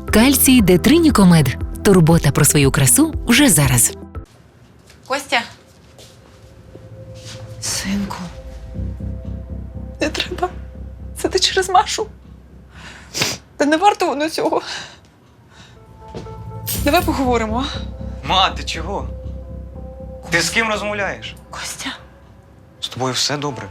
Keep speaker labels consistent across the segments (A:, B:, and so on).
A: Кальцій Детринікомед. Турбота про свою красу вже зараз.
B: Костя? Синку. Не треба. Це ти через Машу. Та не варто воно цього. Давай поговоримо, а?
C: Ма, ти чого? Ти з ким розмовляєш?
B: Костя.
C: З тобою все добре.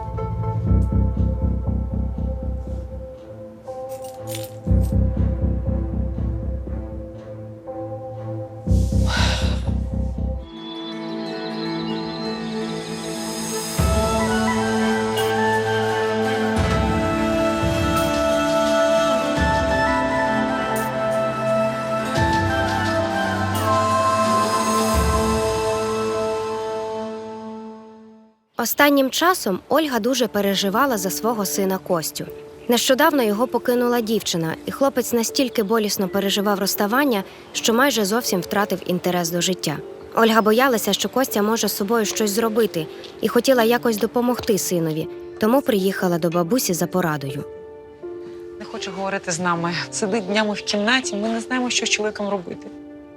D: Останнім часом Ольга дуже переживала за свого сина Костю. Нещодавно його покинула дівчина, і хлопець настільки болісно переживав розставання, що майже зовсім втратив інтерес до життя. Ольга боялася, що Костя може з собою щось зробити, і хотіла якось допомогти синові, тому приїхала до бабусі за порадою.
B: Не хоче говорити з нами. Сидить днями в кімнаті, ми не знаємо, що з чоловіком робити.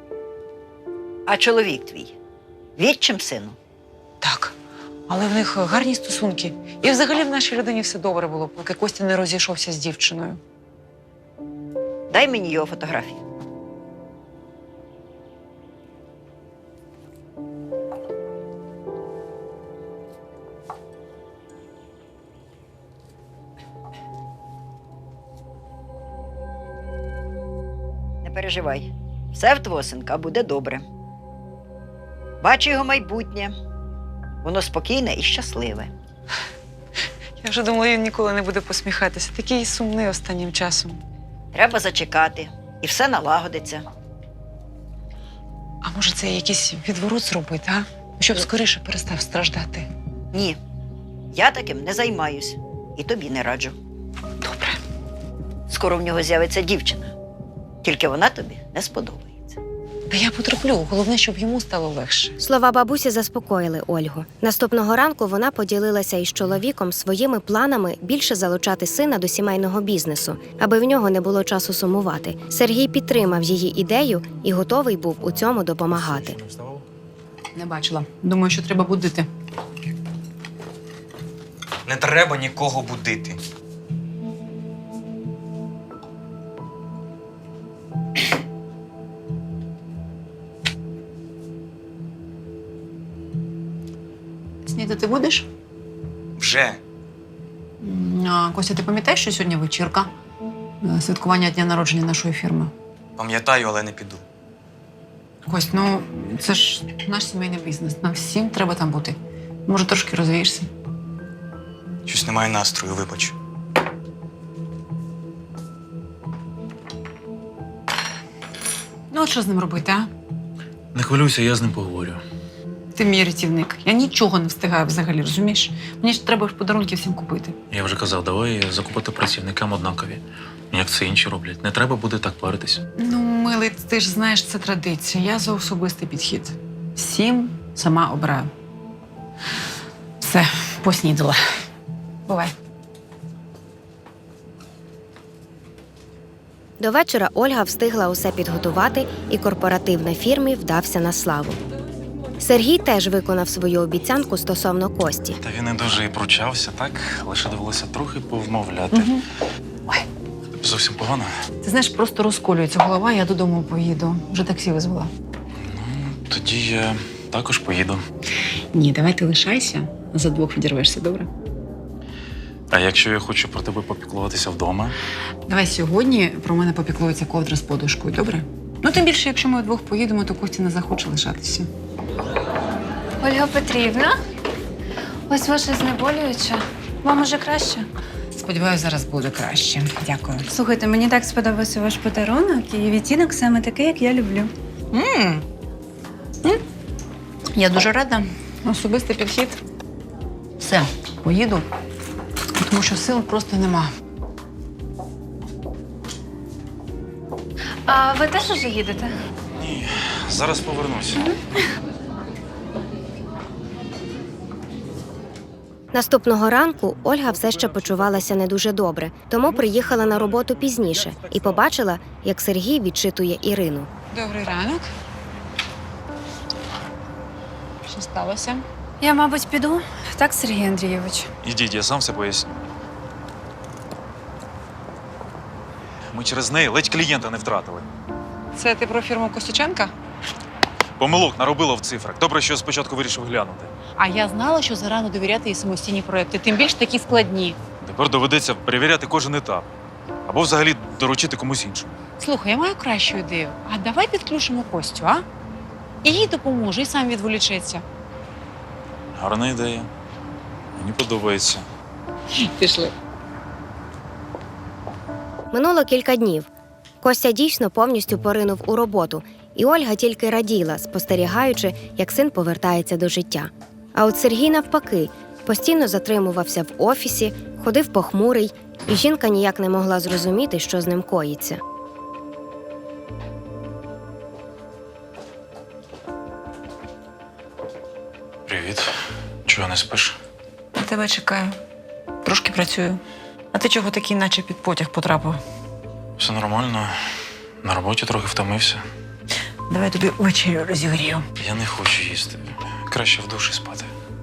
E: А чоловік твій? Відчим сину?
B: Так. Але в них гарні стосунки. І взагалі в нашій людині все добре було, поки Костя не розійшовся з дівчиною.
E: Дай мені його фотографію. Не переживай. Все в твого синка буде добре. Бачу його майбутнє. Воно спокійне і щасливе.
B: Я вже думала, він ніколи не буде посміхатися. Такий сумний останнім часом.
E: Треба зачекати, і все налагодиться.
B: А може, це якийсь відворот зробити, а? Щоб скоріше перестав страждати.
E: Ні, я таким не займаюсь. І тобі не раджу.
B: Добре.
E: Скоро в нього з'явиться дівчина. Тільки вона тобі не сподобається.
B: Та я потерплю. Головне, щоб йому стало легше.
D: Слова бабусі заспокоїли Ольгу. Наступного ранку вона поділилася із чоловіком своїми планами більше залучати сина до сімейного бізнесу, аби в нього не було часу сумувати. Сергій підтримав її ідею і готовий був у цьому допомагати.
F: Не бачила. Думаю, що треба будити.
C: Не треба нікого будити.
F: Снідати будеш?
C: Вже.
F: Костя, ти пам'ятаєш, що сьогодні вечірка? Святкування дня народження нашої фірми.
C: Пам'ятаю, але не піду.
F: Кость, ну це ж наш сімейний бізнес. Нам всім треба там бути. Може, трошки розвієшся?
C: Щось немає настрою, вибач.
F: Ну, от що з ним робити, а?
G: Не хвилюйся, я з ним поговорю.
F: Ти мій рятівник. Я нічого не встигаю взагалі, розумієш? Мені ж треба ж подарунки всім купити.
G: Я вже казав, давай закупити працівникам однакові. Як це інші роблять. Не треба буде так паритись.
F: Ну, милий, ти ж знаєш, це традиція. Я за особистий підхід. Всім сама обираю. Все, поснідала. Бувай.
D: До вечора Ольга встигла усе підготувати, і корпоратив на фірмі вдався на славу. Сергій теж виконав свою обіцянку стосовно Кості.
G: Та він не дуже і пручався, так? Лише довелося трохи повмовляти.
F: Ой.
G: Тобі зовсім погано?
F: Ти знаєш, просто розколюється голова, я додому поїду. Вже таксі визвала.
G: Тоді я також поїду.
F: Ні, давай ти лишайся, за двох відірвешся, добре?
G: А якщо я хочу про тебе попіклуватися вдома?
F: Давай сьогодні про мене попіклується ковдра з подушкою, добре? Ну, тим більше, якщо ми вдвох поїдемо, то Костя не захоче лишатися.
H: Ольга Петрівна, ось ваше знеболююче. Вам уже краще?
F: Сподіваюся, зараз буде краще. Дякую.
H: Слухайте, мені так сподобався ваш подарунок, і відтінок саме такий, як я люблю.
F: Я дуже рада. Особистий підхід. Все, поїду, тому що сил просто нема.
H: А ви теж уже їдете?
G: Ні, зараз повернуся.
D: Наступного ранку Ольга все ще почувалася не дуже добре, тому приїхала на роботу пізніше і побачила, як Сергій відчитує Ірину.
F: Добрий ранок. Що сталося?
H: Я, мабуть, піду. Так, Сергій Андрійович.
I: Ідіть, я сам все поясню. Ми через неї ледь клієнта не втратили.
F: Це ти про фірму Костюченка?
I: Помилок наробило в цифрах. Добре, що спочатку вирішив глянути.
F: А я знала, що зарано довіряти їй самостійні проекти, тим більш такі складні.
I: Тепер доведеться перевіряти кожен етап. Або взагалі доручити комусь іншому.
F: Слухай, я маю кращу ідею. А давай підключимо Костю, а? І їй допоможе, і сам відволічеться.
I: Гарна ідея. Мені подобається.
F: Пішли.
D: Минуло кілька днів. Костя дійсно повністю поринув у роботу, і Ольга тільки раділа, спостерігаючи, як син повертається до життя. А от Сергій, навпаки, постійно затримувався в офісі, ходив похмурий, і жінка ніяк не могла зрозуміти, що з ним коїться.
G: Привіт. Чого не спиш?
B: На тебе чекаю. Трошки працюю. А ти чого такий, наче під потяг потрапив?
G: Все нормально. На роботі трохи втомився.
B: Давай тобі вечерю розігрію.
G: Я не хочу їсти. Краще в душі спати.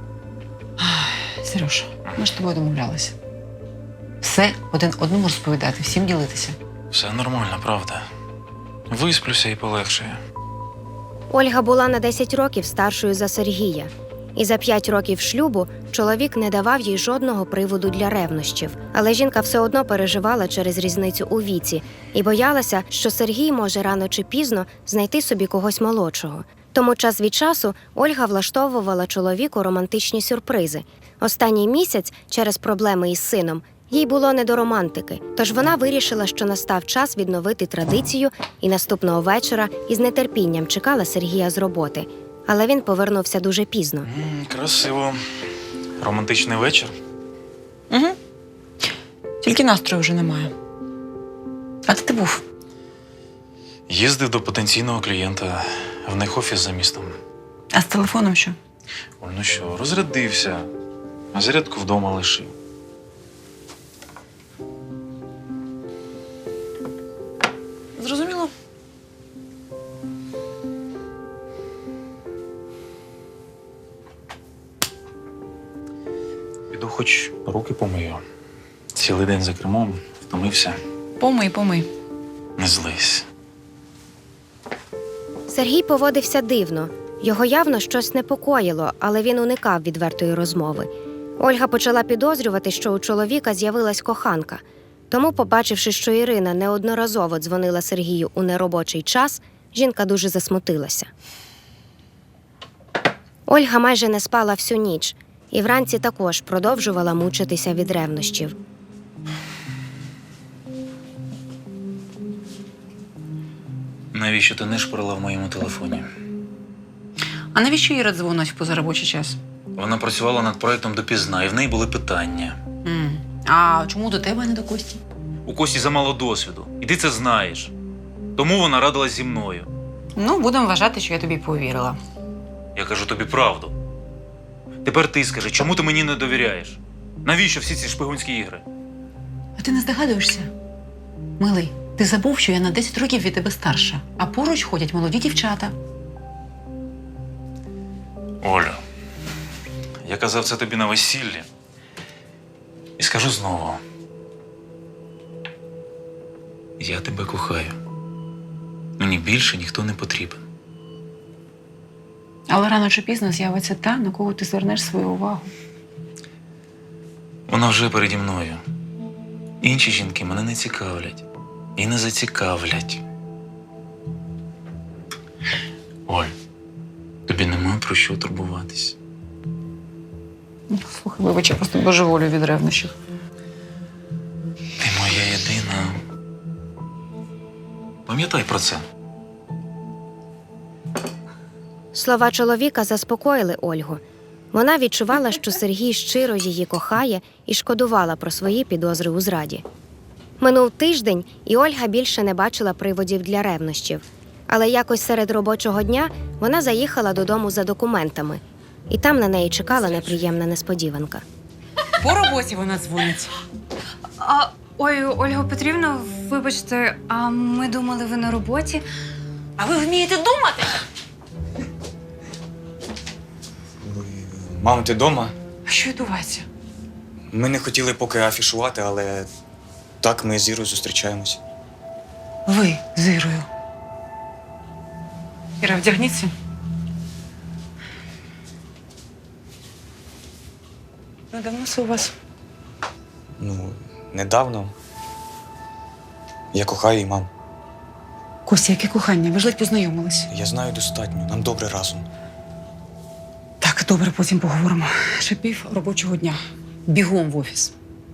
F: Сереж, ми ж з тобою домовлялися. Все один одному розповідати, всім ділитися.
G: Все нормально, правда. Висплюся і полегшає.
D: Ольга була на 10 років старшою за Сергія. І за 5 років шлюбу чоловік не давав їй жодного приводу для ревнощів. Але жінка все одно переживала через різницю у віці і боялася, що Сергій може рано чи пізно знайти собі когось молодшого. Тому час від часу Ольга влаштовувала чоловіку романтичні сюрпризи. Останній місяць, через проблеми із сином, їй було не до романтики. Тож вона вирішила, що настав час відновити традицію, і наступного вечора із нетерпінням чекала Сергія з роботи. Але він повернувся дуже пізно.
G: Красиво. Романтичний вечір.
B: Угу. Тільки настрою вже немає. А де ти був?
G: Їздив до потенційного клієнта. В них офіс за містом.
B: А з телефоном що?
G: Оль, ну що, розрядився. А зарядку вдома лишив.
B: Зрозуміло.
G: Піду хоч руки помию. Цілий день за кермом, втомився.
B: Помий.
G: Не злись.
D: Сергій поводився дивно. Його явно щось непокоїло, але він уникав відвертої розмови. Ольга почала підозрювати, що у чоловіка з'явилась коханка. Тому, побачивши, що Ірина неодноразово дзвонила Сергію у неробочий час, жінка дуже засмутилася. Ольга майже не спала всю ніч, і вранці також продовжувала мучитися від ревнощів.
G: Навіщо ти не шпарила в моєму телефоні?
F: А навіщо Іра дзвонить в позаробочий час?
G: Вона працювала над проєктом допізна, і в неї були питання.
F: А чому до тебе, а не до Кості?
I: У Кості замало досвіду. І ти це знаєш. Тому вона радилась зі мною.
F: Ну, будемо вважати, що я тобі повірила.
I: Я кажу тобі правду. Тепер ти скажи, чому ти мені не довіряєш? Навіщо всі ці шпигунські ігри?
F: А ти не здогадуєшся? Милий, ти забув, що я на 10 років від тебе старша, а поруч ходять молоді дівчата.
G: Оля, я казав це тобі на весіллі. І скажу знову. Я тебе кохаю. Мені більше ніхто не потрібен.
F: Але рано чи пізно з'явиться та, на кого ти звернеш свою увагу.
G: Вона вже переді мною. Інші жінки мене не цікавлять. І не зацікавлять. Оль, тобі нема про що турбуватись.
F: Слухай, вибач, я просто божеволю від ревнощів.
G: Ти моя єдина. Пам'ятай про це.
D: Слова чоловіка заспокоїли Ольгу. Вона відчувала, що Сергій щиро її кохає і шкодувала про свої підозри у зраді. Минув тиждень, і Ольга більше не бачила приводів для ревнощів. Але якось серед робочого дня вона заїхала додому за документами. І там на неї чекала неприємна несподіванка.
F: По роботі вона дзвонить.
H: Ой, Ольга Петрівна, вибачте, а ми думали, ви на роботі.
F: А ви вмієте думати?
C: Мамо, ти вдома?
F: А що відбувається?
C: Ми не хотіли поки афішувати, але так ми з Ірою зустрічаємось.
F: Ви з Ірою. Іра, вдягніться. Ну, давно це у вас?
C: Ну, недавно. Я кохаю її, мам.
F: Костя, яке кохання? Ви ж ледь познайомились.
C: Я знаю достатньо, нам добре разом.
F: Так, добре, потім поговоримо. Ще пів робочого дня. Бігом в офіс.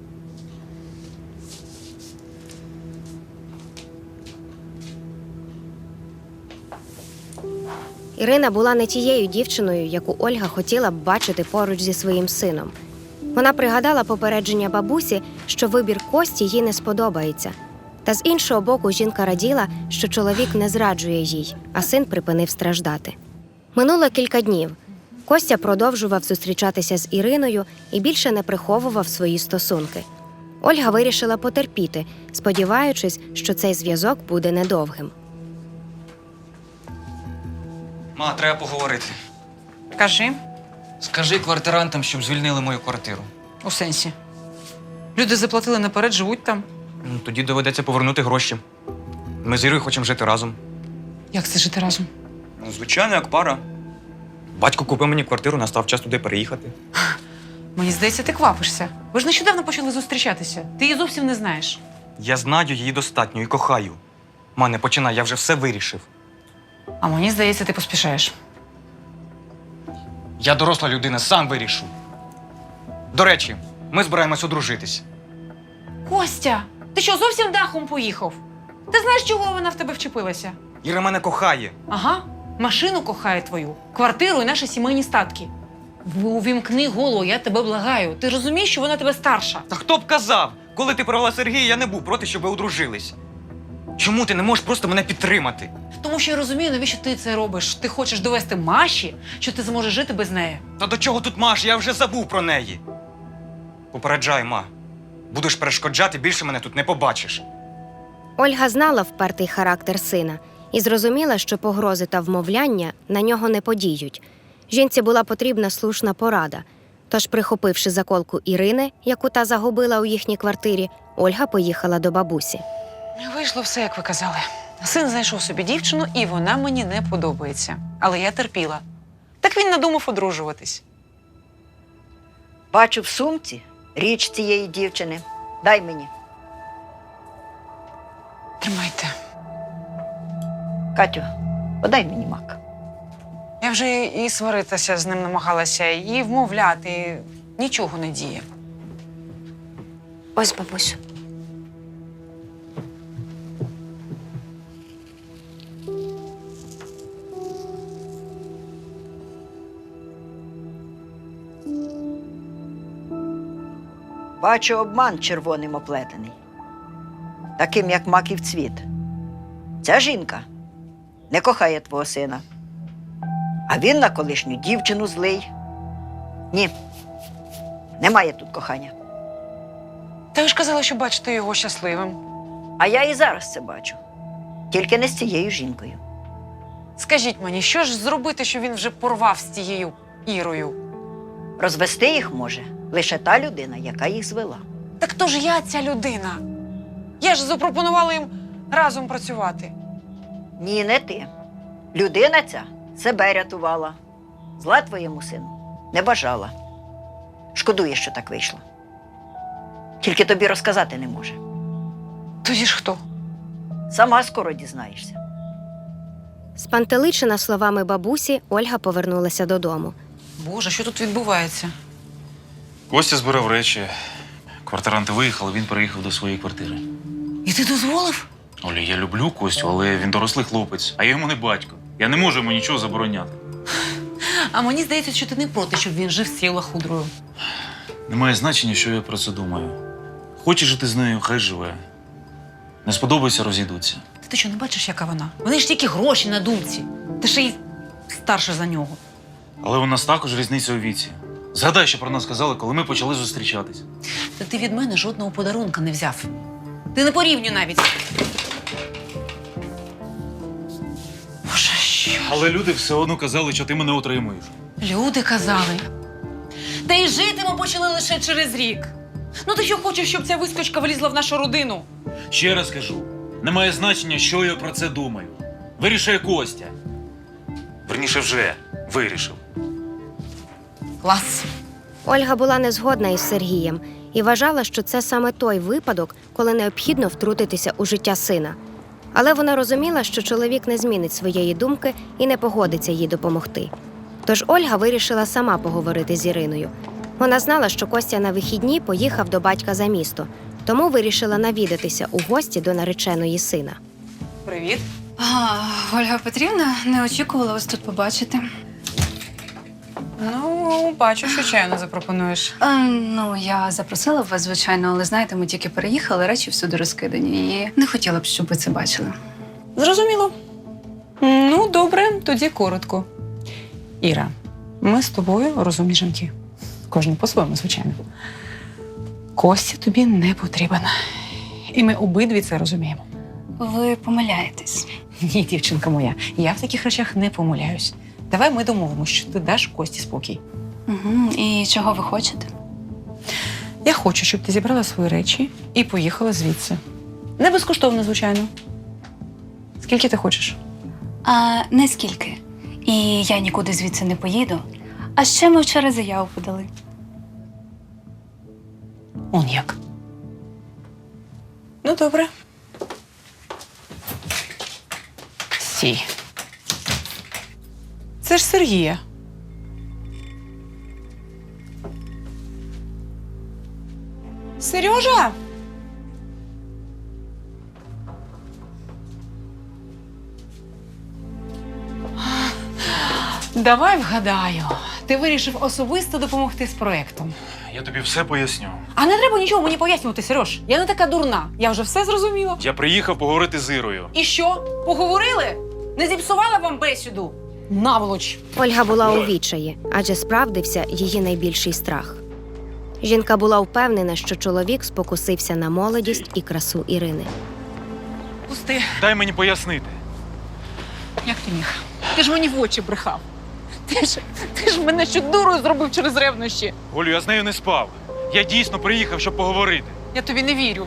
D: Ірина була не тією дівчиною, яку Ольга хотіла б бачити поруч зі своїм сином. Вона пригадала попередження бабусі, що вибір Кості їй не сподобається. Та з іншого боку, жінка раділа, що чоловік не зраджує їй, а син припинив страждати. Минуло кілька днів. Костя продовжував зустрічатися з Іриною і більше не приховував свої стосунки. Ольга вирішила потерпіти, сподіваючись, що цей зв'язок буде недовгим.
C: Ма, треба поговорити.
F: Кажи.
C: Скажи квартирантам, щоб звільнили мою квартиру.
F: У сенсі. Люди заплатили наперед, живуть там.
C: Ну, тоді доведеться повернути гроші. Ми з Ірою хочемо жити разом.
F: Як це жити разом?
C: Ну, звичайно, як пара. Батько купив мені квартиру, настав час туди переїхати.
F: Мені здається, ти квапишся. Ви ж нещодавно почали зустрічатися. Ти її зовсім не знаєш.
C: Я знаю її достатньо і кохаю. Ма, не починай, я вже все вирішив.
F: А мені здається, ти поспішаєш.
C: Я доросла людина, сам вирішу. До речі, ми збираємось одружитись.
F: Костя, ти що, зовсім дахом поїхав? Ти знаєш, чого вона в тебе вчепилася?
C: Іра мене кохає.
F: Ага, машину кохає твою, квартиру і наші сімейні статки. Увімкни голову, я тебе благаю. Ти розумієш, що вона тебе старша?
C: Та хто б казав? Коли ти провела Сергія, я не був проти, щоб ви одружились. Чому ти не можеш просто мене підтримати?
F: Тому що я розумію, навіщо ти це робиш. Ти хочеш довести Маші, що ти зможеш жити без неї.
C: Та до чого тут Маша? Я вже забув про неї. Попереджай, ма. Будеш перешкоджати, більше мене тут не побачиш.
D: Ольга знала впертий характер сина і зрозуміла, що погрози та вмовляння на нього не подіють. Жінці була потрібна слушна порада. Тож, прихопивши заколку Ірини, яку та загубила у їхній квартирі, Ольга поїхала до бабусі.
F: Вийшло все, як ви казали. Син знайшов собі дівчину, і вона мені не подобається. Але я терпіла. Так він надумав одружуватись.
E: Бачу в сумці річ цієї дівчини. Дай мені.
F: Тримайте.
E: Катю, подай мені мак.
F: Я вже і сваритися з ним намагалася, і вмовляти. Нічого не діє.
D: Ось, бабусю.
E: Бачу обман червоним оплетений. Таким, як маків цвіт. Ця жінка не кохає твого сина. А він на колишню дівчину злий. Ні, немає тут кохання.
F: Та ви ж казали, що бачите його щасливим.
E: А я і зараз це бачу. Тільки не з цією жінкою.
F: Скажіть мені, що ж зробити, що він вже порвав з тією Ірою?
E: Розвести їх може лише та людина, яка їх звела.
F: Так то ж я ця людина. Я ж запропонувала їм разом працювати.
E: Ні, не ти. Людина ця себе рятувала. Зла твоєму сину не бажала. Шкодує, що так вийшло. Тільки тобі розказати не може.
F: Тоді ж хто?
E: Сама скоро дізнаєшся.
D: Спантеличена словами бабусі, Ольга повернулася додому.
F: Боже, що тут відбувається?
G: Костя збирав речі. Квартиранти виїхали, він переїхав до своєї квартири.
F: І ти дозволив?
G: Оля, я люблю Костю, але він дорослий хлопець, а я йому не батько. Я не можу йому нічого забороняти.
F: А мені здається, що ти не проти, щоб він жив з цією лахудрою.
G: Немає значення, що я про це думаю. Хоче жити з нею, хай живе. Не сподобається, розійдуться.
F: Ти що, не бачиш, яка вона? Вони ж тільки гроші на думці. Ти ще й старша за нього.
G: Але у нас також різниця у віці.
I: Згадай, що про нас казали, коли ми почали зустрічатись.
F: Та ти від мене жодного подарунка не взяв. Ти не порівнюй навіть. Боже, що?
I: Але люди все одно казали, що ти мене отримуєш.
F: Люди казали. Та й жити ми почали лише через рік. Ну ти що хочеш, щоб ця вискочка влізла в нашу родину?
I: Ще раз кажу, немає значення, що я про це думаю. Вирішує Костя. Верніше вже вирішив.
F: Клас.
D: Ольга була не згодна із Сергієм і вважала, що це саме той випадок, коли необхідно втрутитися у життя сина. Але вона розуміла, що чоловік не змінить своєї думки і не погодиться їй допомогти. Тож Ольга вирішила сама поговорити з Іриною. Вона знала, що Костя на вихідні поїхав до батька за місто, тому вирішила навідатися у гості до нареченої сина.
F: Привіт.
H: Ольга Петрівна, не очікувала вас тут побачити.
F: Ну, бачу, що чаю не запропонуєш.
H: Ну, я запросила б вас, звичайно, але знаєте, ми тільки переїхали, речі всюди розкидані. І не хотіла б, щоб ви це бачили.
F: Зрозуміло. Ну, добре, тоді коротко. Іра, ми з тобою розумні жінки. Кожен по-своєму, звичайно. Костя тобі не потрібен. І ми обидві це розуміємо.
H: Ви помиляєтесь.
F: Ні, дівчинка моя, я в таких речах не помиляюсь. Давай ми домовимося, що ти даш Кості спокій.
H: Угу. І чого ви хочете?
F: Я хочу, щоб ти зібрала свої речі і поїхала звідси. Не безкоштовно, звичайно. Скільки ти хочеш?
H: Не скільки. І я нікуди звідси не поїду. А ще ми вчора заяву подали.
F: Он як. Ну, добре. Стій. Це ж Сергія. Сережа! Давай вгадаю. Ти вирішив особисто допомогти з проектом.
I: Я тобі все поясню.
F: А не треба нічого мені пояснювати, Сереж. Я не така дурна. Я вже все зрозуміла.
I: Я приїхав поговорити з Ірою.
F: І що? Поговорили? Не зіпсувала вам бесіду? Наволоч.
D: Ольга була у відчаї, адже справдився її найбільший страх. Жінка була впевнена, що чоловік спокусився на молодість і красу Ірини.
F: Пусти.
I: Дай мені пояснити.
F: Як ти міг? Ти ж мені в очі брехав. Ти ж мене ще дурою зробив через ревнощі.
I: Олю, я з нею не спав. Я дійсно приїхав, щоб поговорити.
F: Я тобі не вірю.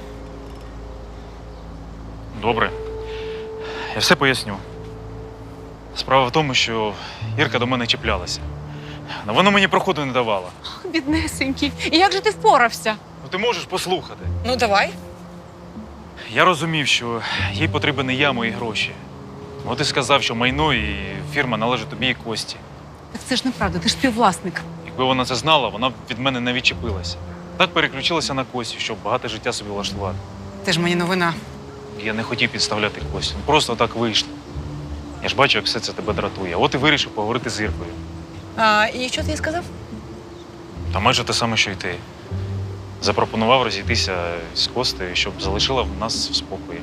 I: Добре. Я все поясню. Справа в тому, що Ірка до мене чіплялася. Але вона мені проходу не давала.
F: Біднесенький. І як же ти впорався?
I: Ну ти можеш послухати.
F: Ну, давай.
I: Я розумів, що їй потрібен не я, мої гроші. От і сказав, що майно і фірма належить тобі і Кості.
F: Так це ж неправда, ти ж співвласник.
I: Якби вона це знала, вона б від мене не відчепилася. Так переключилася на Костю, щоб багате життя собі влаштувати.
F: Ти ж мені новина.
I: Я не хотів підставляти Костю. Просто так вийшло. Я ж бачу, як все це тебе дратує. От і вирішив поговорити з Іркою.
F: І що ти їй сказав?
I: Та майже те саме, що й ти. Запропонував розійтися з Костею, щоб залишила нас в спокої.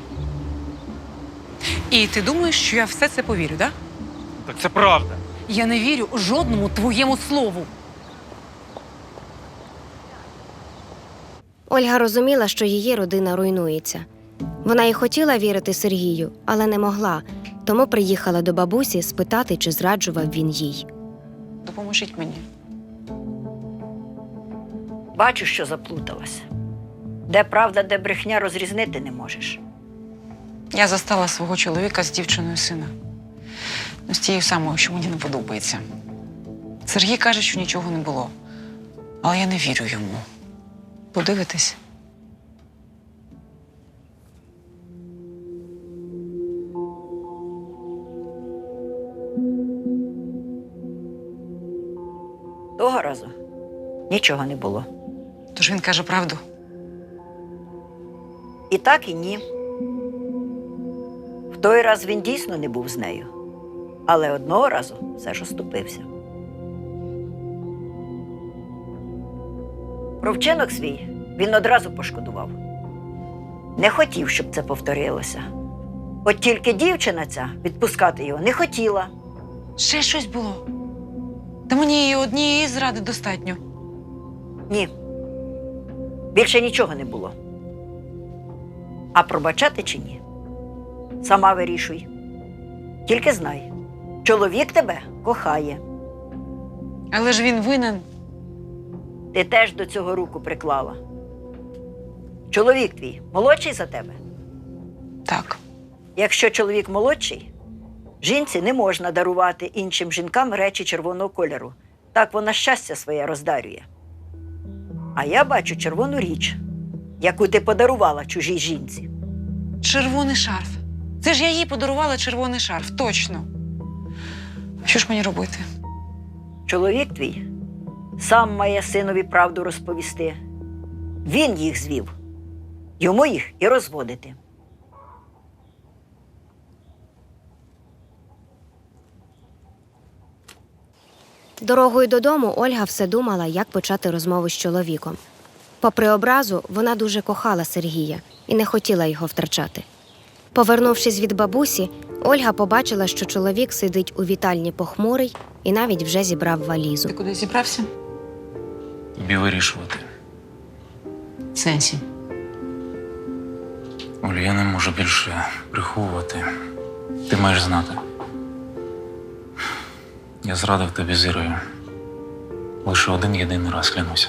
F: І ти думаєш, що я все це повірю, так?
I: Так це правда.
F: Я не вірю жодному твоєму слову.
D: Ольга розуміла, що її родина руйнується. Вона і хотіла вірити Сергію, але не могла, тому приїхала до бабусі спитати, чи зраджував він їй.
F: Допоможіть мені.
E: Бачу, що заплуталася. Де правда, де брехня, розрізнити не можеш.
F: Я застала свого чоловіка з дівчиною сина. Ну, з тією самою, що мені не подобається. Сергій каже, що нічого не було. Але я не вірю йому. Подивитись?
E: Того разу нічого не було.
F: Тож він каже правду.
E: І так, і ні. В той раз він дійсно не був з нею. Але одного разу все ж оступився. Про вчинок свій він одразу пошкодував. Не хотів, щоб це повторилося. От тільки дівчина ця відпускати його не хотіла.
F: Ще щось було. Та мені і однієї зради достатньо.
E: Ні. Більше нічого не було. А пробачати чи ні? Сама вирішуй. Тільки знай, чоловік тебе кохає.
F: Але ж він винен.
E: Ти теж до цього руку приклала. Чоловік твій молодший за тебе?
F: Так.
E: Якщо чоловік молодший, жінці не можна дарувати іншим жінкам речі червоного кольору. Так вона щастя своє роздарює. А я бачу червону річ, яку ти подарувала чужій жінці.
F: Червоний шарф. Це ж я їй подарувала червоний шарф, точно. Що ж мені робити?
E: Чоловік твій сам має синові правду розповісти. Він їх звів. Йому їх і розводити.
D: Дорогою додому Ольга все думала, як почати розмову з чоловіком. Попри образу, вона дуже кохала Сергія і не хотіла його втрачати. Повернувшись від бабусі, Ольга побачила, що чоловік сидить у вітальні похмурий і навіть вже зібрав валізу.
F: Ти куди зібрався?
G: Тобі вирішувати.
F: В сенсі.
G: Олю, я не можу більше приховувати. Ти маєш знати. Я зрадив тобі з Ірою. Лише один єдиний раз, клянуся.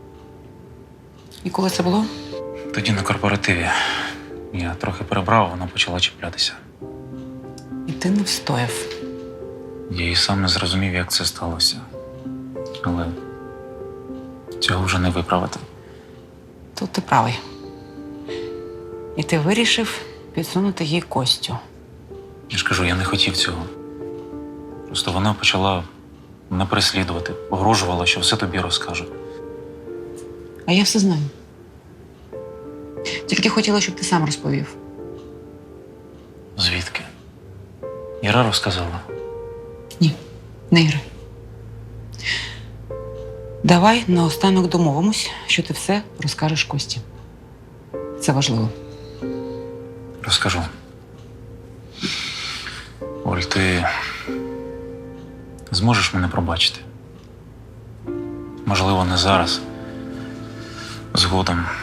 F: І коли це було?
G: Тоді на корпоративі. Я трохи перебрав, вона почала чіплятися.
F: І ти не встояв.
G: Я і сам не зрозумів, як це сталося. Але цього вже не виправити.
F: Тут ти правий. І ти вирішив підсунути їй Костю.
G: Я ж кажу, я не хотів цього. Просто вона почала мене переслідувати, погрожувала, що все тобі розкаже.
F: А я все знаю. Тільки хотіла, щоб ти сам розповів.
G: Звідки? Іра розказала.
F: Ні, не Іра. Давай наостанок домовимось, що ти все розкажеш Кості. Це важливо.
G: Розкажу. Оль, ти зможеш мене пробачити? Можливо, не зараз. Згодом.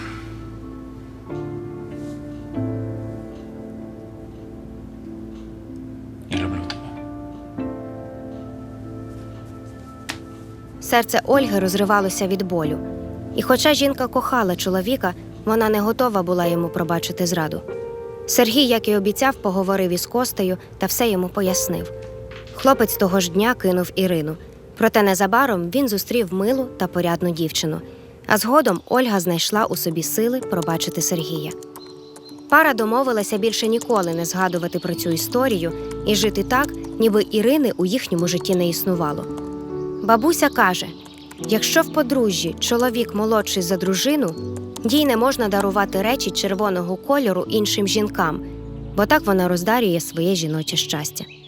G: Я люблю тебе.
D: Серце Ольги розривалося від болю. І хоча жінка кохала чоловіка, вона не готова була йому пробачити зраду. Сергій, як і обіцяв, поговорив із Костею та все йому пояснив. Хлопець того ж дня кинув Ірину. Проте незабаром він зустрів милу та порядну дівчину. А згодом Ольга знайшла у собі сили пробачити Сергія. Пара домовилася більше ніколи не згадувати про цю історію і жити так, ніби Ірини у їхньому житті не існувало. Бабуся каже, якщо в подружжі чоловік молодший за дружину, їй не можна дарувати речі червоного кольору іншим жінкам, бо так вона роздарює своє жіноче щастя.